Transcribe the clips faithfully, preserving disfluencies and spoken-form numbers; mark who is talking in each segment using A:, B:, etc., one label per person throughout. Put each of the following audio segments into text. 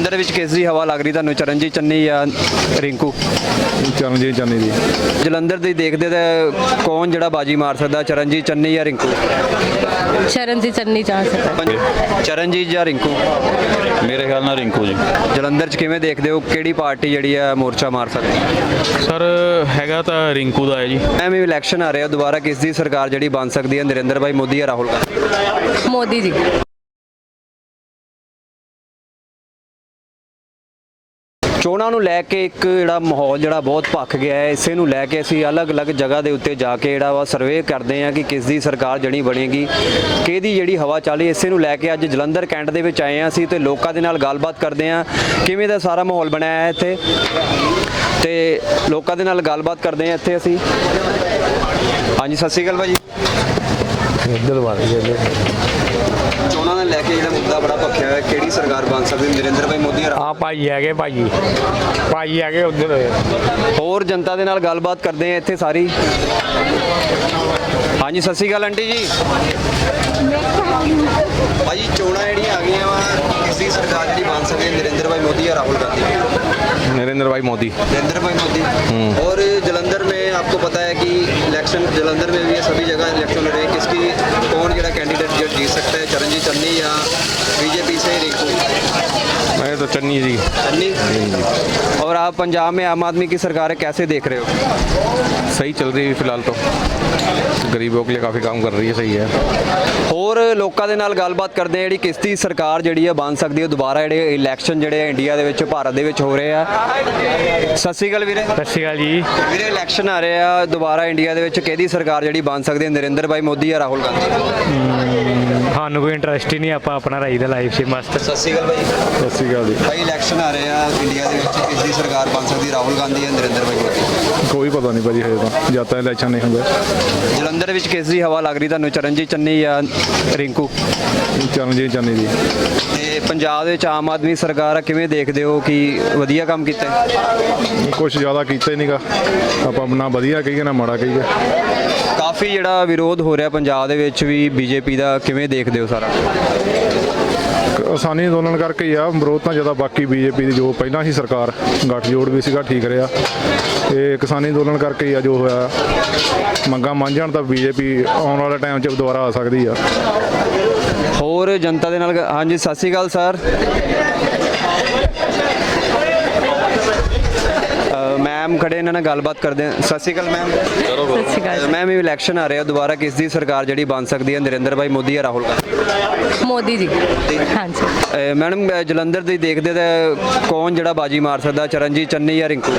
A: ਜਲੰਧਰ ਵਿੱਚ ਕਿਸ ਦੀ ਹਵਾ ਲੱਗ ਰਹੀ ਤੁਹਾਨੂੰ, ਚਰਨਜੀਤ ਚੰਨੀ ਜਾਂ ਰਿੰਕੂ?
B: ਚਰਨਜੀਤ ਚੰਨੀ ਦੀ।
A: ਜਲੰਧਰ ਦੀ ਦੇਖਦੇ ਤਾਂ ਕੌਣ ਜਿਹੜਾ ਬਾਜੀ ਮਾਰ ਸਕਦਾ, ਚਰਨਜੀਤ ਚੰਨੀ ਜਾਂ ਰਿੰਕੂ?
C: ਚਰਨਜੀਤ ਚੰਨੀ ਜਾ ਸਕਦਾ।
A: ਚਰਨਜੀਤ ਜਾਂ ਰਿੰਕੂ?
D: ਮੇਰੇ ਖਿਆਲ ਨਾਲ ਰਿੰਕੂ ਜੀ।
A: ਜਲੰਧਰ 'ਚ ਕਿਵੇਂ ਦੇਖਦੇ ਹੋ, ਕਿਹੜੀ ਪਾਰਟੀ ਜਿਹੜੀ ਆ ਮੋਰਚਾ ਮਾਰ ਸਕਦੀ?
D: ਸਰ ਹੈਗਾ ਤਾਂ ਰਿੰਕੂ ਦਾ ਹੈ ਜੀ।
A: ਐਵੇਂ ਇਲੈਕਸ਼ਨ ਆ ਰਿਹਾ ਦੁਬਾਰਾ, ਕਿਸ ਦੀ ਸਰਕਾਰ ਜਿਹੜੀ ਬਣ ਸਕਦੀ ਹੈ, ਨਰਿੰਦਰ ਭਾਈ ਮੋਦੀ ਜਾਂ ਰਾਹੁਲ ਗਾਂਧੀ?
C: ਮੋਦੀ ਜੀ।
A: ਚੋਣਾਂ ਨੂੰ ਲੈ ਕੇ ਇੱਕ ਜਿਹੜਾ ਮਾਹੌਲ ਜਿਹੜਾ ਬਹੁਤ ਭੱਖ ਗਿਆ ਹੈ, ਇਸੇ ਨੂੰ ਲੈ ਕੇ ਅਸੀਂ ਅਲੱਗ-ਅਲੱਗ ਜਗ੍ਹਾ ਦੇ ਉੱਤੇ ਜਾ ਕੇ ਜਿਹੜਾ ਵਾ ਸਰਵੇ ਕਰਦੇ ਹਾਂ ਕਿ ਕਿਸ ਦੀ ਸਰਕਾਰ ਜਿਹੜੀ ਬਣੇਗੀ, ਕਿਹਦੀ ਜਿਹੜੀ ਹਵਾ ਚੱਲ ਰਹੀ, ਇਸੇ ਨੂੰ ਲੈ ਕੇ ਅੱਜ ਜਲੰਧਰ ਕੈਂਟ ਦੇ ਵਿੱਚ ਆਏ ਹਾਂ ਅਸੀਂ ਤੇ ਲੋਕਾਂ ਦੇ ਨਾਲ ਗੱਲਬਾਤ ਕਰਦੇ ਹਾਂ ਕਿਵੇਂ ਦਾ ਸਾਰਾ ਮਾਹੌਲ ਬਣਾਇਆ ਹੈ ਇੱਥੇ, ਤੇ ਲੋਕਾਂ ਦੇ ਨਾਲ ਗੱਲਬਾਤ ਕਰਦੇ ਹਾਂ ਇੱਥੇ ਅਸੀਂ। ਹਾਂਜੀ, ਸਤਿ ਸ਼੍ਰੀ ਅਕਾਲ ਭਾਜੀ। ਚੋਣਾਂ ਨੂੰ ਲੈ ਕੇ ਜਿਹੜਾ ਮੁੱਦਾ ਬੜਾ ਭਖਿਆ ਹੋਇਆ, ਕਿਹੜੀ ਸਰਕਾਰ ਬਣ ਸਕਦੀ, ਨਰਿੰਦਰ ਭਾਈ ਮੋਦੀ ਜਾਂ
E: ਆ ਭਾਈ ਹੈਗੇ ਭਾਜੀ ਭਾਈ ਹੈਗੇ ਉਧਰ।
A: ਹੋਰ ਜਨਤਾ ਦੇ ਨਾਲ ਗੱਲਬਾਤ ਕਰਦੇ ਆ ਇੱਥੇ ਸਾਰੀ। ਹਾਂਜੀ, ਸਤਿ ਸ਼੍ਰੀ ਅਕਾਲ ਆਂਟੀ ਜੀ। ਭਾਜੀ ਚੋਣਾਂ ਜਿਹੜੀਆਂ ਆ ਗਈਆਂ ਵਾ, ਕਿਸ ਦੀ ਸਰਕਾਰ ਜਿਹੜੀ ਬਣ ਸਕਦੀ ਹੈ, ਨਰਿੰਦਰ ਭਾਈ मोदी या राहुल गांधी?
B: नरेंद्र भाई मोदी।
A: नरेंद्र भाई मोदी। और जलंधर में आपको पता है कि इलेक्शन जलंधर में भी है, सभी जगह इलेक्शन हो रहे हैं, किसकी कौन ਜਿਹੜਾ कैंडिडेट जो जीत सकता है, चरणजीत चन्नी या बीजेपी से रिंकू?
B: मैं तो चन्नी जी।
A: चन्नी। और आप पंजाब में आम आदमी की सरकार है, कैसे देख रहे हो?
B: सही चल रही है फिलहाल तो, गरीबों के लिए काफ़ी काम कर रही है, सही है।
A: ਹੋਰ ਲੋਕਾਂ ਦੇ ਨਾਲ ਗੱਲਬਾਤ ਕਰਦੇ ਆ, ਜਿਹੜੀ ਕਿਸ ਦੀ ਸਰਕਾਰ ਜਿਹੜੀ ਆ ਬਣ ਸਕਦੀ ਹੈ ਦੁਬਾਰਾ, ਜਿਹੜੇ ਇਲੈਕਸ਼ਨ ਜਿਹੜੇ ਆ ਇੰਡੀਆ ਦੇ ਵਿੱਚ, ਭਾਰਤ ਦੇ ਵਿੱਚ ਹੋ ਰਹੇ ਆ। ਸਤਿ ਸ਼੍ਰੀ ਅਕਾਲ ਵੀਰੇ।
E: ਸਤਿ ਸ਼੍ਰੀ ਅਕਾਲ ਜੀ।
A: ਵੀਰੇ ਇਲੈਕਸ਼ਨ ਆ ਰਹੇ ਆ ਦੁਬਾਰਾ ਇੰਡੀਆ ਦੇ ਵਿੱਚ, ਕਿਹਦੀ ਸਰਕਾਰ ਜਿਹੜੀ ਬਣ ਸਕਦੀ ਹੈ, ਨਰਿੰਦਰ ਭਾਈ ਮੋਦੀ ਜਾਂ ਰਾਹੁਲ ਗਾਂਧੀ?
E: ਸਾਨੂੰ ਕੋਈ ਇੰਟਰਸਟ ਹੀ ਨਹੀਂ, ਆਪਾਂ ਆਪਣਾ ਰਾਈ ਦਾ ਲਾਈਫ 'ਚ ਮਸਤ।
A: ਸਤਿ ਸ਼੍ਰੀ ਅਕਾਲ ਭਾਈ।
B: सत श्रीकाल जी।
A: ਭਾਈ ਇਲੈਕਸ਼ਨ ਆ ਰਹੇ ਆ ਇੰਡੀਆ ਦੇ ਵਿੱਚ, ਕਿਸ ਦੀ ਸਰਕਾਰ ਬਣ ਸਕਦੀ, ਰਾਹੁਲ ਗਾਂਧੀ ਜਾਂ ਨਰਿੰਦਰ ਭਾਈ ਮੋਦੀ?
B: कोई पता नहीं भाजी, हजे तो जब तक इलेक्शन नहीं होंगे।
A: ਜਲੰਧਰ ਵਿੱਚ ਕਿਸ ਦੀ ਹਵਾ ਲੱਗ ਰਹੀ ਤੁਹਾਨੂੰ, ਚਰਨਜੀਤ ਚੰਨੀ ਜਾਂ ਰਿੰਕੂ?
B: चरणजीत चन्नी जी।
A: ਤੇ ਪੰਜਾਬ ਦੇ ਵਿੱਚ ਆਮ ਆਦਮੀ ਸਰਕਾਰ ਆ, ਕਿਵੇਂ ਦੇਖਦੇ ਹੋ ਕਿ ਵਧੀਆ ਕੰਮ ਕੀਤਾ ਹੈ?
B: कुछ ज़्यादा किया ही नहीं गा, आप ना वधिया कहिए ना माड़ा कहिए।
A: ਕਾਫੀ ਜਿਹੜਾ ਵਿਰੋਧ ਹੋ ਰਿਹਾ ਪੰਜਾਬ ਦੇ ਵਿੱਚ ਵੀ ਬੀਜੇਪੀ ਦਾ, ਕਿਵੇਂ ਦੇਖਦੇ ਹੋ ਸਾਰਾ?
B: ਆਸਾਨੀ ਅੰਦੋਲਨ ਕਰਕੇ ਹੀ ਆ ਵਿਰੋਧ ਤਾਂ ਜ਼ਿਆਦਾ, ਬਾਕੀ ਬੀਜੇਪੀ ਦੀ ਜੋ ਪਹਿਲਾਂ ਹੀ ਸਰਕਾਰ ਗੱਠਜੋੜ ਵੀ ਸੀਗਾ ਠੀਕ ਰਿਹਾ, ਇਹ ਕਿਸਾਨੀ ਅੰਦੋਲਨ ਕਰਕੇ ਹੀ ਆ ਜੋ ਹੋਇਆ। ਮੰਗਾਂ ਮੰਨ ਜਾਣ ਤਾਂ ਬੀਜੇਪੀ ਆਉਣ ਵਾਲੇ ਟਾਈਮ 'ਚ ਦੁਬਾਰਾ ਆ ਸਕਦੀ ਆ।
A: ਹੋਰ ਜਨਤਾ ਦੇ ਨਾਲ। ਹਾਂਜੀ, ਸਤਿ ਸ਼੍ਰੀ ਅਕਾਲ ਸਰ। ਮੈਮ ਖੜੇ, ਇਹਨਾਂ ਨਾਲ ਗੱਲਬਾਤ ਕਰਦੇ ਹਾਂ। ਸਤਿ ਸ਼੍ਰੀ ਅਕਾਲ ਮੈਮ।
C: ਸਤਿ ਸ਼੍ਰੀ ਅਕਾਲ।
A: ਮੈਮ ਇਹ ਇਲੈਕਸ਼ਨ ਆ ਰਿਹਾ ਦੁਬਾਰਾ, ਕਿਸ ਦੀ ਸਰਕਾਰ ਜਿਹੜੀ ਬਣ ਸਕਦੀ ਹੈ, ਨਰਿੰਦਰ ਭਾਈ ਮੋਦੀ ਜਾਂ ਰਾਹੁਲ ਗਾਂਧੀ?
C: ਮੋਦੀ ਜੀ। ਹਾਂਜੀ।
A: ਅਹ ਮੈਡਮ ਜਲੰਧਰ ਦੀ ਦੇਖਦੇ ਤਾਂ ਕੌਣ ਜਿਹੜਾ ਬਾਜੀ ਮਾਰ ਸਕਦਾ, ਚਰਨਜੀਤ ਚੰਨੀ ਜਾਂ ਰਿੰਕੂ?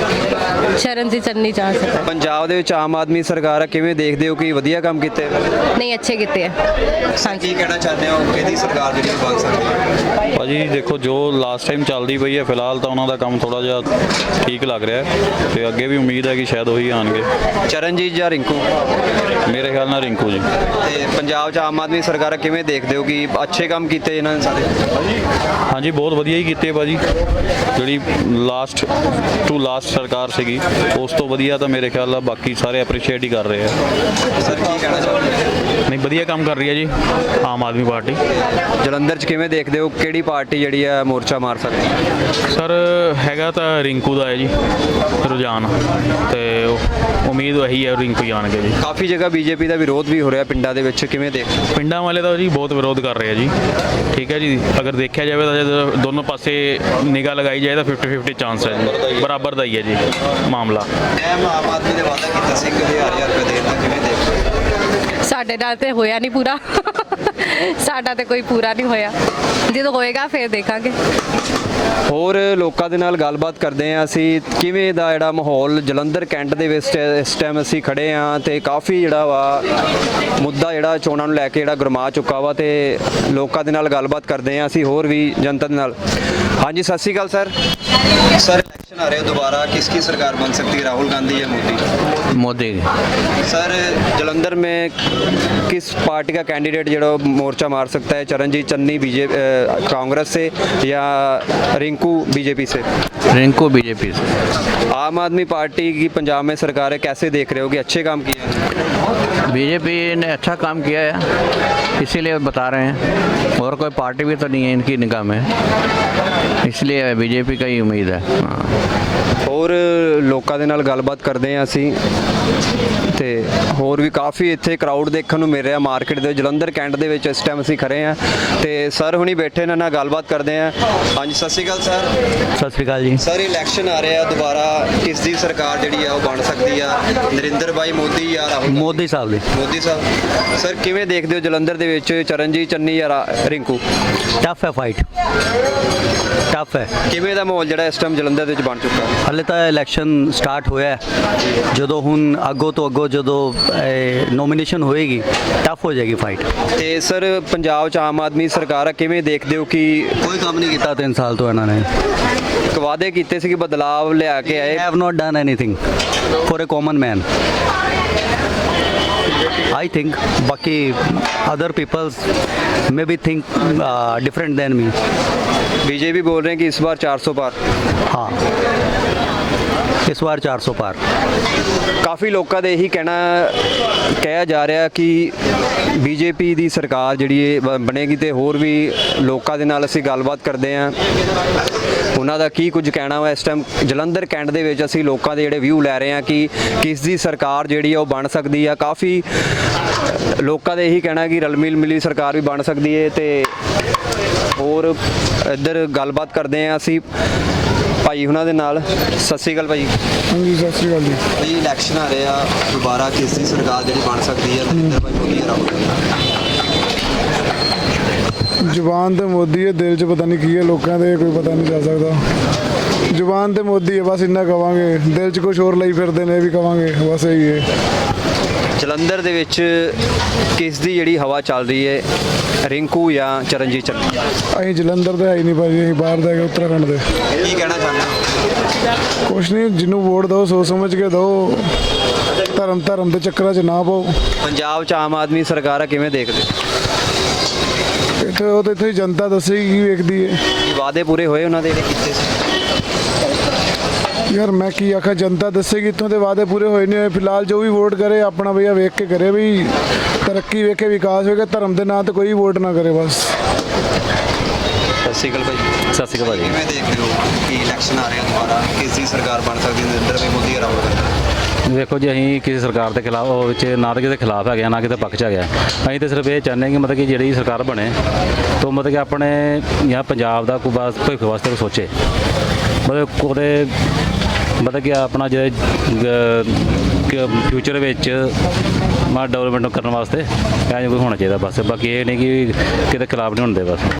C: ਚਰਨਜੀਤ ਚੰਨੀ ਜਾ ਸਕਦਾ।
A: ਪੰਜਾਬ ਦੇ ਵਿੱਚ ਆਮ ਆਦਮੀ ਸਰਕਾਰ ਆ, ਕਿਵੇਂ ਦੇਖਦੇ ਹੋ ਕਿ ਵਧੀਆ ਕੰਮ ਕੀਤੇ?
C: ਨਹੀਂ, ਅੱਛੇ ਕੀਤੇ ਆ। ਹਾਂਜੀ।
A: ਕੀ ਕਹਿਣਾ ਚਾਹੁੰਦੇ ਹੋ, ਕਿਹਦੀ ਸਰਕਾਰ ਜਿਹੜੀ ਬਣ ਸਕਦੀ ਹੈ?
D: ਭਾਜੀ ਦੇਖੋ ਜੋ ਲਾਸਟ ਟਾਈਮ ਚੱਲਦੀ ਪਈ ਹੈ, ਫਿਲਹਾਲ ਤਾਂ ਉਹਨਾਂ ਦਾ ਕੰਮ ਥੋੜਾ ਜਿਹਾ ਠੀਕ ਲੱਗ ਰਿਹਾ ਹੈ ਤੇ ਅੱਗੇ ਵੀ ਉਮੀਦ ਹੈ ਕਿ ਸ਼ਾਇਦ ਉਹੀ ਆਣਗੇ।
A: ਚਰਨਜੀਤ ਜਾਂ ਰਿੰਕੂ?
D: ਮੇਰੇ ਖਿਆਲ ਨਾਲ ਰਿੰਕੂ ਜੀ।
A: ਤੇ ਪੰਜਾਬ 'ਚ ਆਮ ਆਦਮੀ ਸਰਕਾਰ ਕਿਵੇਂ ਦੇਖਦੇ ਹੋ ਕਿ ਅੱਛੇ ਕੰਮ ਕੀਤੇ ਇਹਨਾਂ ਨੇ ਸਾਰੇ?
D: ਹਾਂਜੀ ਬਹੁਤ ਵਧੀਆ ਹੀ ਕੀਤੇ ਭਾਜੀ, ਜਿਹੜੀ ਲਾਸਟ ਟੂ ਲਾਸਟ ਸਰਕਾਰ ਸੀਗੀ ਉਸ ਤੋਂ ਵਧੀਆ ਤਾਂ ਮੇਰੇ ਖਿਆਲ ਨਾਲ ਬਾਕੀ ਸਾਰੇ ਐਪਰੀਸ਼ੀਏਟ ਹੀ ਕਰ ਰਹੇ ਆ।
A: ਸਰ ਕੀ ਕਹਿਣਾ ਚਾਹੁੰਦੇ ਹੋ?
D: ਨਹੀਂ ਵਧੀਆ ਕੰਮ ਕਰ ਰਹੀ ਹੈ ਜੀ ਆਮ ਆਦਮੀ ਪਾਰਟੀ।
A: ਜਲੰਧਰ 'ਚ ਕਿਵੇਂ ਦੇਖਦੇ ਹੋ, ਕਿਹੜੀ ਪਾਰਟੀ ਜਿਹੜੀ ਆ ਮੋਰਚਾ ਮਾਰ ਸਕਦੀ ਹੈ?
D: ਸਰ ਹੈਗਾ ਤਾਂ ਰਿੰਕੂ ਦਾ ਹੈ ਜੀ ਰੁਝਾਨ, ਤੇ ਉਮੀਦ ਇਹੀ ਹੈ ਰਿੰਕੂ ਜਾਣਗੇ ਜੀ।
A: ਕਾਫੀ ਜਗ੍ਹਾ ਬੀਜੇਪੀ ਦਾ ਵਿਰੋਧ ਵੀ ਹੋ ਰਿਹਾ ਪਿੰਡਾਂ ਦੇ ਵਿੱਚ, ਕਿਵੇਂ ਦੇਖਦੇ ਹੋ?
D: ਪਿੰਡਾਂ ਵਾਲੇ ਤਾਂ ਜੀ ਬਹੁਤ ਵਿਰੋਧ ਕਰ ਰਹੇ ਆ ਜੀ। ਠੀਕ ਹੈ ਜੀ, ਅਗਰ ਦੇਖਿਆ ਜਾਵੇ ਤਾਂ ਜਦ ਦੋਨੋਂ ਪਾਸੇ ਨਿਗਾਹ ਲਗਾਈ ਜਾਏ ਤਾਂ ਫਿਫਟੀ ਫਿਫਟੀ ਚਾਂਸ ਹੈ ਜੀ, ਬਰਾਬਰ ਦਾ ਹੀ ਹੈ ਜੀ ਮਾਮਲਾ।
A: ਮੈਂ ਆਮ ਆਦਮੀ ਨੇ ਵਾਅਦਾ ਕੀਤਾ ਸੀ ਕਿ ਹਜ਼ਾਰ ਹਜ਼ਾਰ ਰੁਪਏ ਦੇਣ ਦਾ, ਕਿਵੇਂ ਦੇਖਦੇ ਹੋ?
C: ਸਾਡੇ ਨਾਲ ਤੇ ਹੋਇਆ ਨਹੀਂ ਪੂਰਾ। ਸਾਡਾ ਤੇ ਕੋਈ ਪੂਰਾ ਨਹੀਂ ਹੋਇਆ, ਜਦੋਂ ਹੋਏਗਾ ਫਿਰ ਦੇਖਾਂਗੇ।
A: ਹੋਰ ਲੋਕਾਂ ਦੇ ਨਾਲ ਗੱਲਬਾਤ ਕਰਦੇ ਹਾਂ ਅਸੀਂ, ਕਿਵੇਂ ਦਾ ਜਿਹੜਾ ਮਾਹੌਲ ਜਲੰਧਰ ਕੈਂਟ ਦੇ ਵਿੱਚ ਇਸ ਟਾਈਮ ਅਸੀਂ ਖੜੇ ਹਾਂ ਤੇ ਕਾਫੀ ਜਿਹੜਾ ਵਾ ਮੁੱਦਾ ਜਿਹੜਾ ਚੋਣਾਂ ਨੂੰ ਲੈ ਕੇ ਜਿਹੜਾ ਗਰਮਾ ਚੁੱਕਾ ਵਾ, ਤੇ ਲੋਕਾਂ ਦੇ ਨਾਲ ਗੱਲਬਾਤ ਕਰਦੇ ਹਾਂ ਅਸੀਂ ਹੋਰ ਵੀ ਜਨਤਾ ਦੇ ਨਾਲ। ਹਾਂਜੀ, Sat Sri Akal sir. Sir election आ रहे हो दोबारा, किसकी सरकार बन सकती है, राहुल गांधी या मोदी?
F: मोदी।
A: सर जलंधर में किस पार्टी का कैंडिडेट जो मोर्चा मार सकता है, चरणजीत चन्नी बीजेपी कांग्रेस से या रिंकू बीजेपी से?
F: रिंकू बीजेपी से।
A: आम आदमी पार्टी की पंजाब में सरकार है, कैसे देख रहे हो कि अच्छे काम किए हैं?
F: बीजेपी ने अच्छा काम किया है, इसीलिए बता रहे हैं। और कोई पार्टी भी तो नहीं है इनकी निगाह में, इसलिए बीजेपी का ही उम्मीद है। हाँ।
A: ਹੋਰ ਲੋਕਾਂ ਦੇ ਨਾਲ ਗੱਲਬਾਤ ਕਰਦੇ ਹਾਂ ਅਸੀਂ ਤੇ ਹੋਰ ਵੀ ਕਾਫੀ ਇੱਥੇ ਕਰਾਊਡ ਦੇਖਣ ਨੂੰ ਮਿਲ ਰਿਹਾ ਮਾਰਕੀਟ ਦੇ ਜਲੰਧਰ ਕੈਂਟ ਦੇ ਵਿੱਚ ਇਸ ਟਾਈਮ ਅਸੀਂ ਖੜੇ ਹਾਂ ਤੇ ਸਰ ਹੁਣੀ ਬੈਠੇ ਇਹਨਾਂ ਨਾਲ ਗੱਲਬਾਤ ਕਰਦੇ ਹਾਂ। ਹਾਂਜੀ ਸਤਿ ਸ਼੍ਰੀ ਅਕਾਲ ਸਰ।
E: ਸਤਿ ਸ੍ਰੀ ਅਕਾਲ ਜੀ।
A: ਸਰ ਇਲੈਕਸ਼ਨ ਆ ਰਿਹਾ ਦੁਬਾਰਾ, ਕਿਸ ਦੀ ਸਰਕਾਰ ਜਿਹੜੀ ਆ ਉਹ ਬਣ ਸਕਦੀ ਆ, ਨਰਿੰਦਰ ਭਾਈ ਮੋਦੀ ਜਾਂ ਰਾਹੁਲ ਗਾਂਧੀ?
E: ਮੋਦੀ ਸਾਹਿਬ ਦੀ।
A: ਮੋਦੀ ਸਾਹਿਬ। ਸਰ ਕਿਵੇਂ ਦੇਖਦੇ ਹੋ ਜਲੰਧਰ ਦੇ ਵਿੱਚ ਚਰਨਜੀਤ ਚੰਨੀ ਜਾਂ ਰਾ- ਰਿੰਕੂ?
E: ਟਫ ਹੈ ਫਾਈਟ, ਟਫ ਹੈ।
A: ਕਿਵੇਂ ਦਾ ਮਾਹੌਲ ਜਿਹੜਾ ਇਸ ਟਾਈਮ ਜਲੰਧਰ ਦੇ ਵਿੱਚ ਬਣ ਚੁੱਕਾ?
E: ਹਲੇ ਤਾਂ ਇਲੈਕਸ਼ਨ ਸਟਾਰਟ ਹੋਇਆ ਹੈ। ਜਦੋਂ ਹੁਣ ਅੱਗੋਂ ਤੋਂ ਅੱਗੋਂ ਜਦੋਂ ਨੋਮੀਨੇਸ਼ਨ ਹੋਏਗੀ ਟਫ ਹੋ ਜਾਏਗੀ ਫਾਈਟ।
A: ਤੇ ਸਰ ਪੰਜਾਬ 'ਚ ਆਮ ਆਦਮੀ ਸਰਕਾਰ ਆ, ਕਿਵੇਂ ਦੇਖਦੇ ਹੋ ਕਿ
E: ਕੋਈ ਕੰਮ ਨਹੀਂ ਕੀਤਾ ਤਿੰਨ ਸਾਲ ਤੋਂ ਇਹਨਾਂ ਨੇ।
A: ਇੱਕ ਵਾਅਦੇ ਕੀਤੇ ਸੀ ਕਿ ਬਦਲਾਵ ਲਿਆ ਕੇ ਆਏ,
E: have not done anything for a common man. I think बाकी other people's maybe think uh, different than me।
A: BJP बोल रहे हैं कि इस बार चार सौ पार।
E: हाँ, इस बार चार सौ पार।
A: ਕਾਫੀ ਲੋਕਾਂ ਦੇ ਇਹੀ ਕਹਿਣਾ ਕਿਹਾ ਜਾ ਰਿਹਾ ਕਿ ਬੀਜੇਪੀ ਦੀ ਸਰਕਾਰ ਜਿਹੜੀ ਇਹ ਬ- ਬਣੇਗੀ ਤੇ ਹੋਰ ਵੀ ਲੋਕਾਂ ਦੇ ਨਾਲ ਅਸੀਂ ਗੱਲਬਾਤ ਕਰਦੇ ਹਾਂ ਉਹਨਾਂ ਦਾ ਕੀ ਕੁਝ ਕਹਿਣਾ ਵਾ। ਇਸ ਟਾਈਮ ਜਲੰਧਰ ਕੈਂਟ ਦੇ ਵਿੱਚ ਅਸੀਂ ਲੋਕਾਂ ਦੇ ਜਿਹੜੇ ਵਿਊ ਲੈ ਰਹੇ ਹਾਂ ਕਿ ਕਿਸ ਦੀ ਸਰਕਾਰ ਜਿਹੜੀ ਆ ਉਹ ਬਣ ਸਕਦੀ ਆ। ਕਾਫੀ ਲੋਕਾਂ ਦੇ ਇਹੀ ਕਹਿਣਾ ਕਿ ਰਲ ਮਿਲ ਮਿਲੀ ਸਰਕਾਰ ਵੀ ਬਣ ਸਕਦੀ ਹੈ ਤੇ ਹੋਰ ਇੱਧਰ ਗੱਲਬਾਤ ਕਰਦੇ ਹਾਂ ਅਸੀਂ ਭਾਈ ਉਹਨਾਂ ਦੇ ਨਾਲ। ਸਤਿ ਸ਼੍ਰੀ ਅਕਾਲ ਭਾਈ।
G: ਹਾਂਜੀ ਸਤਿ ਸ਼੍ਰੀ ਅਕਾਲ ਜੀ।
A: ਭਾਈ ਇਲੈਕਸ਼ਨ ਆ ਰਹੇ ਆ ਦੁਬਾਰਾ, ਕਿਸ ਦੀ ਸਰਕਾਰ ਜਿਹੜੀ ਬਣ ਸਕਦੀ ਹੈ, ਨਰਿੰਦਰ ਭਾਈ ਮੋਦੀ ਜਾਂ ਰਾਹੁਲ ਗਾਂਧੀ?
G: ਜ਼ੁਬਾਨ ਤੇ ਮੋਦੀ ਹੈ, ਦਿਲ 'ਚ ਪਤਾ ਨਹੀਂ ਕੀ ਹੈ ਲੋਕਾਂ ਦੇ, ਕੋਈ ਪਤਾ ਨਹੀਂ ਚੱਲ ਸਕਦਾ। ਜ਼ੁਬਾਨ ਤੇ ਮੋਦੀ ਹੈ, ਬਸ ਇੰਨਾ ਕਵਾਂਗੇ। ਦਿਲ 'ਚ ਕੁਝ ਹੋਰ ਲਈ ਫਿਰਦੇ ਨੇ, ਇਹ ਵੀ ਕਵਾਂਗੇ, ਬਸ ਇਹੀ ਹੈ।
A: ਜਲੰਧਰ ਦੇ ਵਿੱਚ ਕਿਸ ਦੀ ਜਿਹੜੀ ਹਵਾ ਚੱਲ ਰਹੀ ਹੈ, ਰਿੰਕੂ ਜਾਂ ਚਰਨਜੀਤ ਚੰਨੀ?
G: ਅਸੀਂ ਜਲੰਧਰ ਦੇ ਹੈ ਹੀ ਨਹੀਂ ਭਾਜੀ, ਅਸੀਂ ਬਾਹਰ ਦੇ ਹੈਗੇ, ਉੱਤਰਾਖੰਡ ਦੇ।
A: ਕੀ ਕਹਿਣਾ ਚਾਹੁੰਦੇ ਹੋ?
G: ਕੁਛ ਨਹੀਂ, ਜਿਹਨੂੰ ਵੋਟ ਦਿਓ ਸੋਚ ਸਮਝ ਕੇ ਦਿਓ, ਧਰਮ ਧਰਮ ਦੇ ਚੱਕਰਾਂ 'ਚ ਨਾ ਪਾਓ।
A: ਪੰਜਾਬ 'ਚ ਆਮ ਆਦਮੀ ਸਰਕਾਰ ਆ, ਕਿਵੇਂ ਦੇਖਦੇ?
G: ਇੱਥੇ ਉਹ ਤਾਂ ਇੱਥੇ ਹੀ ਜਨਤਾ ਦੱਸੇਗੀ ਕੀ ਵੇਖਦੀ ਹੈ।
A: ਕੀ ਵਾਅਦੇ ਪੂਰੇ ਹੋਏ ਉਹਨਾਂ ਦੇ ਜਿਹੜੇ ਕੀਤੇ ਸੀ?
G: ਯਾਰ ਮੈਂ ਕੀ ਆਖਾਂ, ਜਨਤਾ ਦੱਸੇਗੀ। ਇੱਥੋਂ ਦੇ ਵਾਅਦੇ ਪੂਰੇ ਹੋਏ ਨਹੀਂ ਹੋਏ। ਫਿਲਹਾਲ ਜੋ ਵੀ ਵੋਟ ਕਰੇ ਆਪਣਾ ਭਈਆ ਵੇਖ ਕੇ ਕਰੇ, ਵੀ ਤਰੱਕੀ ਵੇਖੇ, ਵਿਕਾਸ ਵੇਖੇ, ਧਰਮ ਦੇ ਨਾਂ ਤੇ ਕੋਈ ਵੋਟ ਨਾ ਕਰੇ ਬਸ।
A: ਸਤਿ ਸ਼੍ਰੀ ਅਕਾਲ ਭਾਈ।
E: ਸਤਿ ਸ਼੍ਰੀ ਅਕਾਲ ਭਾਜੀ।
A: ਕਿਵੇਂ ਦੇਖਦੇ ਹੋ ਕਿ ਇਲੈਕਸ਼ਨ ਆ ਰਿਹਾ ਦੁਬਾਰਾ, ਕਿਸ ਦੀ ਸਰਕਾਰ ਬਣ ਸਕਦੀ ਹੈ, ਨਰਿੰਦਰ ਭਾਈ ਮੋਦੀ ਜਾਂ ਰਾਹੁਲ ਗਾਂਧੀ?
D: ਦੇਖੋ ਜੀ, ਅਸੀਂ ਕਿਸੇ ਸਰਕਾਰ ਦੇ ਖਿਲਾਫ ਉਹ ਵਿੱਚ ਨਾ ਤਾਂ ਕਿਸੇ ਖਿਲਾਫ ਹੈਗੇ ਆ, ਨਾ ਕਿਸੇ ਪੱਖ 'ਚ ਹੈਗੇ ਆ। ਅਸੀਂ ਤਾਂ ਸਿਰਫ ਇਹ ਚਾਹੁੰਦੇ ਕਿ ਮਤਲਬ ਕਿ ਜਿਹੜੀ ਸਰਕਾਰ ਬਣੇ ਤਾਂ ਮਤਲਬ ਕਿ ਆਪਣੇ ਜਾਂ ਪੰਜਾਬ ਦਾ ਕੋਈ ਬਸ ਭਵਿੱਖ ਵਾਸਤੇ ਕੋਈ ਸੋਚੇ, ਮਤਲਬ ਉਹਦੇ ਮਤਲਬ ਕਿ ਆਪਣਾ ਜਿਹੜੇ ਫਿਊਚਰ ਵਿੱਚ ਮਾ ਡਿਵੈਲਪਮੈਂਟ ਕਰਨ ਵਾਸਤੇ ਇਹ ਕੋਈ ਹੋਣਾ ਚਾਹੀਦਾ ਬਸ। ਬਾਕੀ ਇਹ ਨਹੀਂ ਕਿ ਕਿਤੇ ਖਿਲਾਫ ਨਹੀਂ ਹੁੰਦੇ ਬਸ।